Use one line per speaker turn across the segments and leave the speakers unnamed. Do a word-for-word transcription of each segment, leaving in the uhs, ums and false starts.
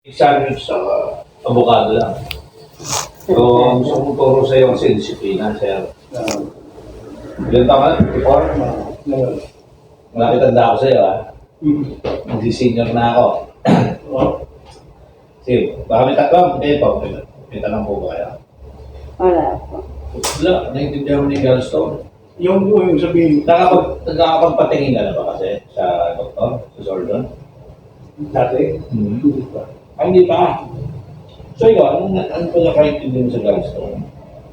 Examine sa abogado lang. So, gusto kong turo sa iyo kasi disiplina, sir. Ilan taon ka na? Before? Malapit tanda ako sa iyo, ha? Mag-senior na ako. Sige, baka may tatlong, hindi po. May tanong po ba kaya?
Wala po.
Wala, naiintindihan mo ni Gallstone.
Yung po yung sabihin,
Nakapag, nakakapagpatingin ka na ba kasi sa doktor, sa surgeon?
dati,
Hmm.
hindi pa.
Ay, hindi pa. So, ikaw, anong, anong pagkakaintindi mo sa Gallstone?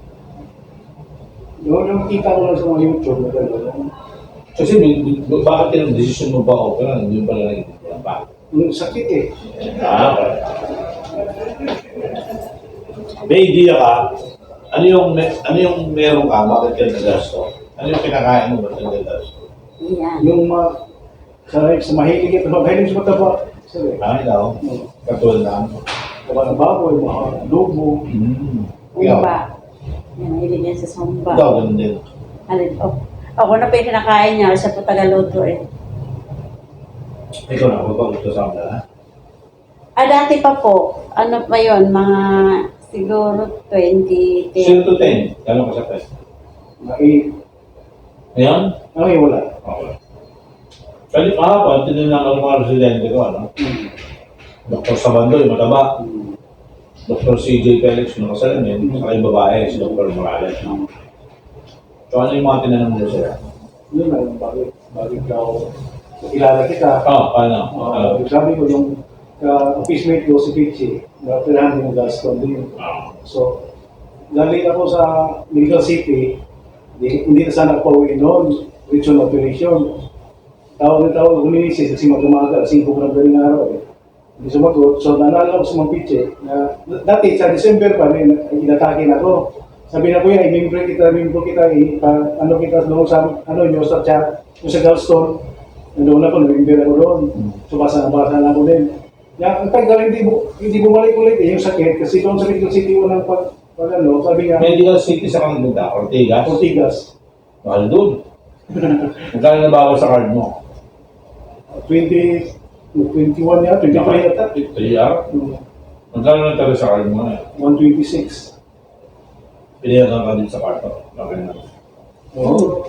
Yung nakikita ko lang sa mga YouTube na gano'n,
Kasi may, bakit yung decision mo ba okay lang? Hindi mo pala naiintindihan pa.
yung sakit eh.
Ah, okay. May idea ka, ano yung, ano yung meron ka, bakit ka nagasto? Ano yung kinakain mo, bakit ka nagasto?
Yan.
Yung mga, sa, sa mahilig ito, mahilig sa mataba. Sabi,
Ah, ikaw, katulad na ano.
taba ng baboy, mga lubo.
Hmm. Ikaw,
Sumba. Yan, mahilig yan sa sumba.
ikaw, ganun din.
Alin, oh. Ako na pa yung kinakain niya, siya po tagaluto eh.
Ikaw na, magpagusto sa amin, ha?
Ah, dati pa po, ano pa yun, mga siguro twenty
zero
ten.
to ten, gano'n ka sa test?
Ay,
Ngayon?
ay wala.
Okay. Kali kahapon, tinignan ako ng mga residente ko, ano? Doktor Sabandoy, mataba. Doktor C J Felix, yung kasalamin, saka yung babae, si Doktor Morales. No? So ano yung mga tinanong mo sila?
Yun lang, bakit, bakit ikaw, kilala kita.
Oh, paano?
Uh,
Uh,
sabi ko yung ka-office ko si Pichi, na tirahan din ng Gaston din.
uh,
So, galing ako sa Medical City, hindi, hindi na sana ako pauwi noon, regional operation. Tawag na tawag, huminisip kasi magkamaga, singko ko ng galing araw eh. Hindi sumagot, so naalala ko sa mga Pichi, na dati sa December pa rin, inatake na ako. Sabi na ko yan, i-member kita, member kita, ipa, ano kita doon sa, ano nyo, sa chat, yung sa Galston, nandoon ako, na-member ako doon. So basa na basa na ako din. Ya, ang tagal, hindi, bu- hindi bumalik ulit eh, yung sakit, kasi doon sa Medical City, walang pag, pag ano, sabi nga,
Medical City sa Kanagunda, Ortigas.
Ortigas,
Mahal doon. Magkano na bawal sa card mo?
twenty, twenty-one yata, twenty-three yata,
three hour? Magkano na talaga sa card mo na?
one twenty-six.
Pinayagan ka din sa kwarto. Okay na.
Oo.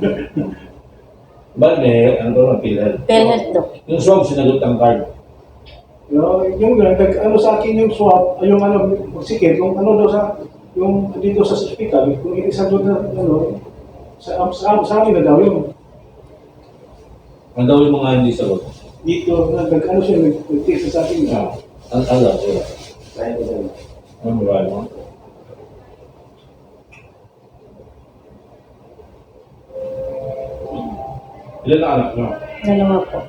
Ba't may, ano to, PhilHealth?
PhilHealth do.
Yung swab, sinagot ang card.
Yung, yung, nag, ano sa akin yung swab, ay, yung ano, sikit, yung ano daw sa, yung dito sa hospital, kung hindi sa doon na, ano, sa, sa, sa amin na daw yung,
Ang daw yung mga hindi sagot.
dito, nag, ano siya, nag- nag-test sa akin.
Ah, ang alam, wala.
Kaya ko daw.
Ano ba mo? Ilan na anak mo?
Dalawa po.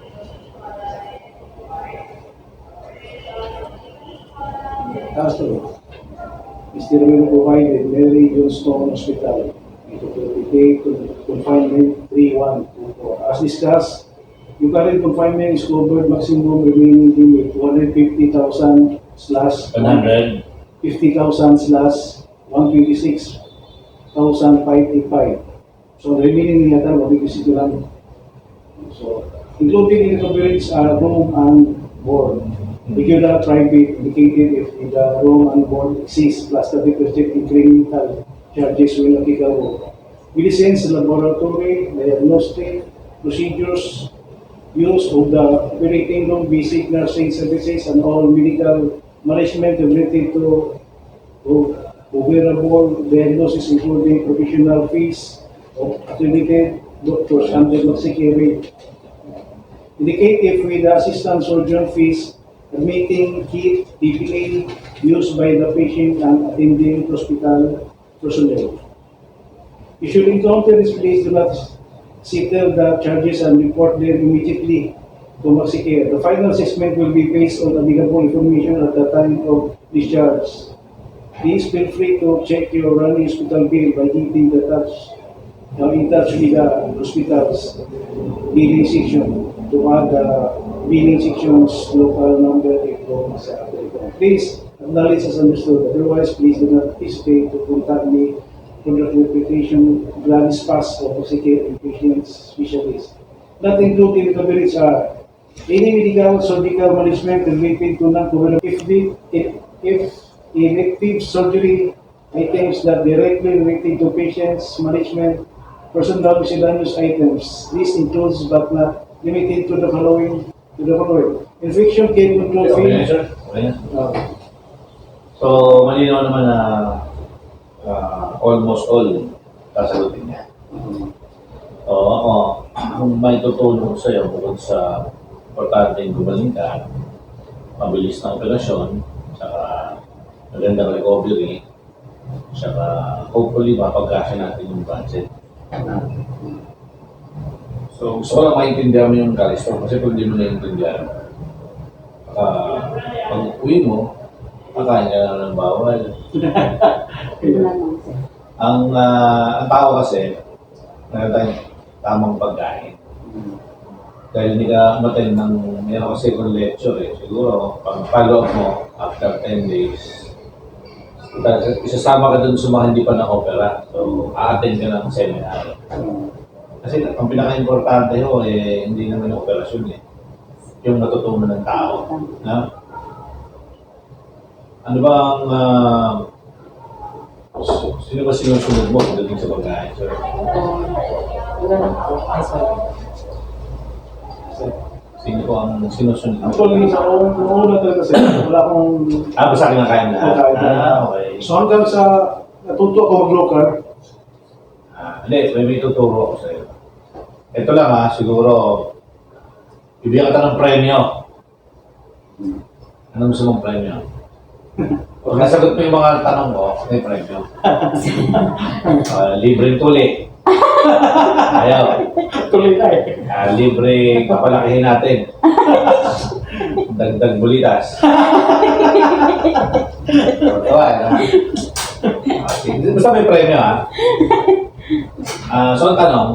Tapos to, Mister Will provided Mary Johnstone Hospital into the confinement three one two four. As discussed, yung current confinement is covered maximum remaining limit two hundred fifty thousand slash
one hundred.
fifty thousand slash one twenty-six thousand five eighty-five. So the remaining yata mabibisito lang. So including in the coverage are room and board. Regular private indicated if the room and board exists plus the requested incremental charges will applicable. Medicines, laboratory, diagnostic, procedures, use of the operating room, basic nursing services, and all medical management related to to wearable diagnosis including professional fees of accredited doctors under security. Indicate if with the assistant surgeon fees, admitting kit, P P A used by the patient and attending hospital personnel. You should encounter this, please do not settle the charges and report them immediately to MaxiCare. The final assessment will be based on available information at the time of discharge. Please feel free to check your running hospital bill by hitting the touch, uh, in touch with the hospital's billing section to add the billing section's local number if sa Please acknowledge as understood. Otherwise, please do not hesitate to contact me for the clarification, Gladys Pass of MaxiCare and Patient Specialist. Not included in the coverage are Any medical surgical management related to non-COVID if the if, if elective surgery items that directly related to patients management, personal miscellaneous items. This includes but not limited to the following to the following. Infection care control
Okay na,
fee.
sir? Okay na.
Uh,
So, malinaw naman na ah, almost all sasagutin niya. Oo, ako, kung may tutulong ko sa'yo bukod sa importanteng gumaling ka, mabilis na operasyon, saka magandang recovery, saka hopefully mapagkasya natin yung budget. So, gusto ko lang maintindihan mo yung Calisto kasi pag di mo naiintindihan, uh, pag uwi mo, kakain ka lang ng bawal.
Yun lang naman, sir.
Ang, ah, ang tao kasi, meron tayong tamang pagkain. Dahil hindi ka umaten ng, meron kasi kung lecture eh, siguro, pag follow up mo, after ten days, isasama ka dun sa mga hindi pa na-opera. So, a-attend ka ng seminar. Kasi ang pinaka-importante ho, eh, hindi naman yung operasyon eh. Yung natutunan ng tao. Na? Ano ba ang, ah, sino ba sinusunod mo pagdating sa pagkain, sir?
Ito, ganun po.
Sino po ang sinusunod mo?
Actually, sa una una talaga sir, wala akong
Ah, basta kinakain na.
Kinakain na.
Ah, okay.
so hanggang sa natuto ako mag-local,
Ah, hindi, may may tuturo ako sa'yo. Ito lang ha, siguro, bibigyan ka ng premyo. Ano gusto mong premyo? Kung nasagot mo yung mga tanong ko, may premyo. Ah, libreng tuli. Ayaw.
tuloy na eh.
Ah, libre kapalakihin natin. Dagdag bulitas. Tawa, eh, ha? Ah, sige. Basta may premyo, ha? Ah, so, ang tanong,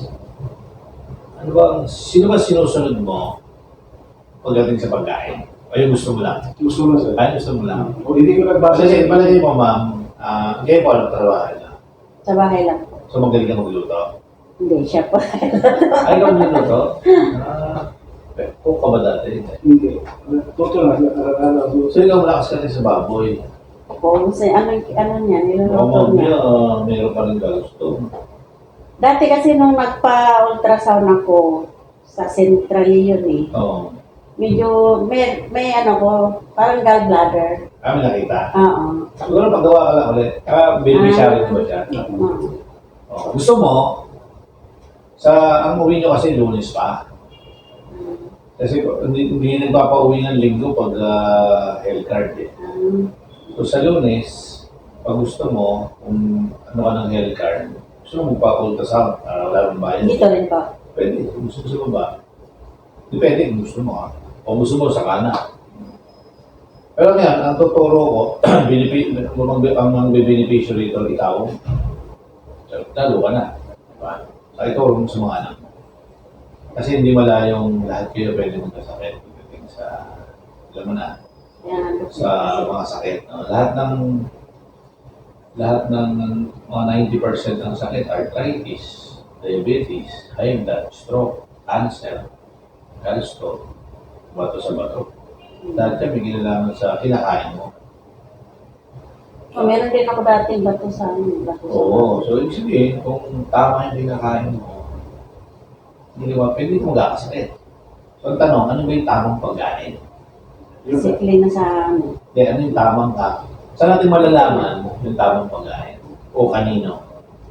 ano ba, sino ba sinusunod mo pagdating sa pagkain? O yung gusto mo lang?
Gusto mo sir.
Ay, gusto mo lang.
O hindi ko nagbasa
Kasi, palagay mo, ma'am, ah, kayo po anong trabaho na?
Sa bahay lang po.
So, magaling ka magluto?
Hindi, siya po.
Ay, ikaw magluto? Ah, cook ka ba dati?
Hindi. Toto na, araw-araw.
So, ikaw malakas ka rin sa baboy.
Kung sa ano, ano niya, niluluto
Mamang
niya.
niya, uh, meron pa rin ka gusto.
Dati kasi nung nagpa-ultrasound ako sa Central yun eh,
Oo.
medyo may, may ano ko, parang gallbladder.
Kami nakita.
Oo.
Siguro paggawa ka lang ulit. Ah, beneficiary mo ba siya?
Oo.
Oo. Gusto mo, sa ang uwi nyo kasi lunes pa. Kasi hindi, hindi nagpapauwi ng linggo pag uh, health card eh.
Um,
So sa lunes, pag gusto mo, kung ano ka ng health card, gusto mo magpa-ultrasound, uh, wala mong bayan.
dito rin po.
Pwede, kung gusto, gusto mo ba? Depende kung gusto mo ha. O gusto mo sa kana. Pero ngayon, ang tuturo ko, binipi, kung ang, ang, ang beneficiary rito, ikaw, lalo ka na. Diba? Sa ituro mo sa mga anak mo. Kasi hindi malayong lahat kayo pwede magkasakit. Pagdating sa, alam mo na,
Yan.
sa mga sakit. No? Lahat ng lahat ng mga ninety percent ng sakit, arthritis, diabetes, high blood, stroke, cancer, gallstone, bato sa bato. Dahil kami ginalaman sa kinakain mo.
Oh, meron din ako dati bato sa ano, bato sa
Oo. So, ibig sabihin, kung tama yung kinakain mo, hindi mo, pwede mo magkakasakit. So, ang tanong, ano ba yung tamang pagkain?
Sikli na sa ano.
Hindi, ano yung tamang ka? Saan natin malalaman yung tamang pagkain? O kanino?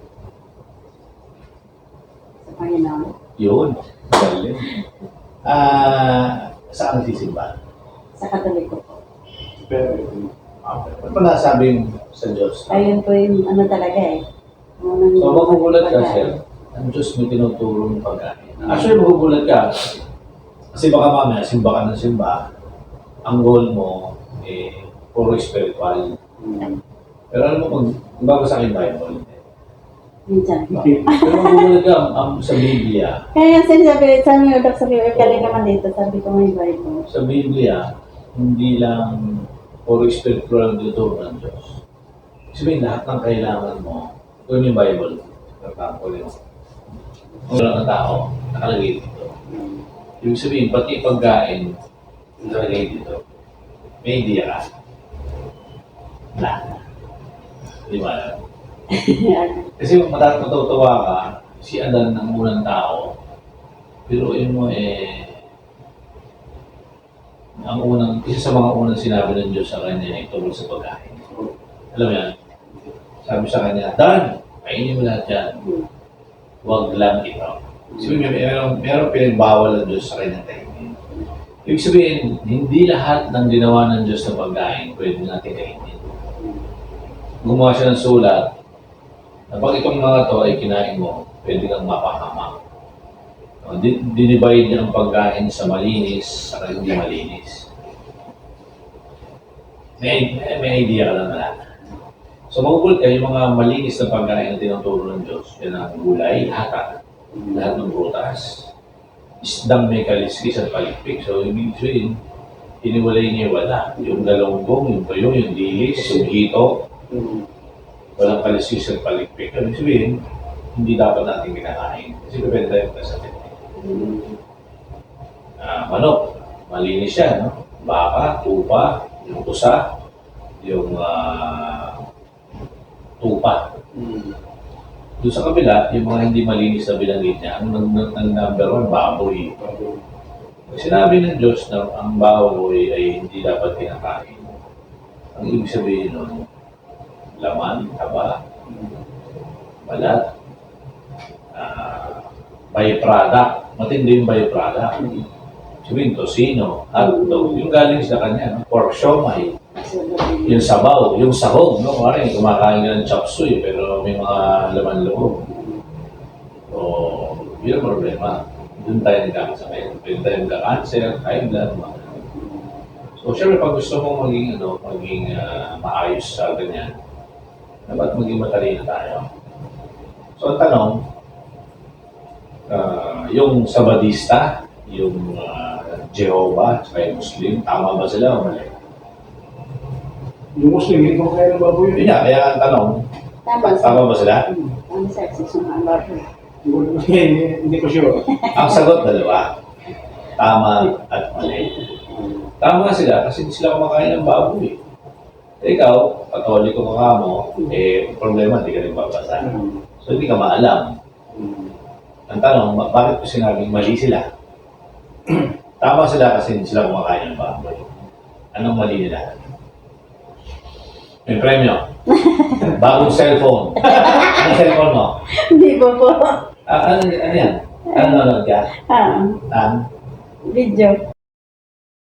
Sa Panginoon.
Yun. Galing. Ah, saan nagsisimba?
Sa Katoliko po.
Pero,
Okay. Ano pa nasabing sa Diyos?
Ayun po yung ano talaga eh. Unang-
So, magugulat ka,
pagkain.
sir. Ang Diyos may tinuturo ng pagkain. Actually, magugulat ka. Kasi baka mamaya, simba ka ng simba. Ang goal mo, eh, puro spiritual. Pero alam mo, kung babasa ka yung Bible,
Minsan po.
pero magugulat ka, ang, sa Biblia,
Kaya sinasabi, sabi ko, Dok, sabi ko, galing naman dito, sabi ko may Bible.
sa Biblia, hindi lang puro spiritual ang tuturo ng Diyos. Sabihin, lahat ng kailangan mo, kung yung Bible, for example, yung wala ng tao, nakalagay dito. Ibig sabihin, pati pagkain, nalagay dito. May idea ka? Wala. Di ba? Kasi matatawa ka, si Adan ng unang tao, pero yun mo eh, ang unang, isa sa mga unang sinabi ng Diyos sa kanya ay tungkol sa pagkain. Alam mo yan? Sabi sa kanya, Dan, kainin mo lahat yan. Huwag lang ikaw. Sabi niya, meron, meron pinagbawal ng Diyos sa kanyang kainin. Ibig sabihin, hindi lahat ng ginawa ng Diyos na pagkain pwede natin kainin. Gumawa siya ng sulat na pag itong mga to ay kinain mo, pwede kang mapahamak. Uh, dinivide niya ang pagkain sa malinis sa hindi malinis. May, may, may idea ka lang na. So magugulat ka, yung mga malinis na pagkain na tinuturo ng Diyos, yan ang gulay, lahat, lahat ng prutas, isdang may kaliskis at palikpik. So ibig sabihin, iniwalay niya wala. Yung galonggong, yung tuyo, yung dilis, yung hito, walang kaliskis at palikpik. Ibig sabihin, hindi dapat natin kinakain. Kasi depende tayo sa atin. Uh, manok, malinis siya, no? Baka, tupa, yung pusa, yung uh, tupa.
Mm.
Doon sa kabila, yung mga hindi malinis na binanggit niya, ang, ang, ang number one, baboy. Sinabi ng Diyos na ang baboy ay hindi dapat kinakain. Ang ibig sabihin nun, laman, taba, balat, uh, byproduct. Matindi yung byproduct. Sabihin, tosino, hotdog, yung galing sa kanya, no? Pork siomay, yung sabaw, yung sahog, no? Maring kumakain ka ng chop suey, pero may mga laman loob. So, yun ang problema. Doon tayo nagkakasakit. Doon tayo nagka-cancer, high blood, mga. So, syempre, pag gusto mong maging, ano, maging uh, maayos sa ganyan, dapat maging matalino tayo. So, ang tanong, uh, yung Sabadista, yung uh, Jehovah, saka yung Muslim, tama ba sila o mali?
Yung Muslim, hindi ko kaya ng baboy
Yun nga, kaya ang tanong,
Tama,
tama ba sila?
ang sexy sa mga baboy.
Hindi, hindi ko sure.
Ang sagot, dalawa. Tama at mali. Tama sila kasi hindi sila kumakain ng baboy. Eh, ikaw, Katoliko ka ka mo, eh, problema, hindi ka nagbabasa. So, hindi ka maalam. Ang tanong, ba- bakit ko sinabing mali sila? Tama sila kasi hindi sila kumakain ng baboy. Anong mali nila? May premyo. Bagong cellphone. Anong cellphone mo?
Hindi po po.
Ah, ano, ano yan? Ano nanonood ka?
Ah,
Ang
video.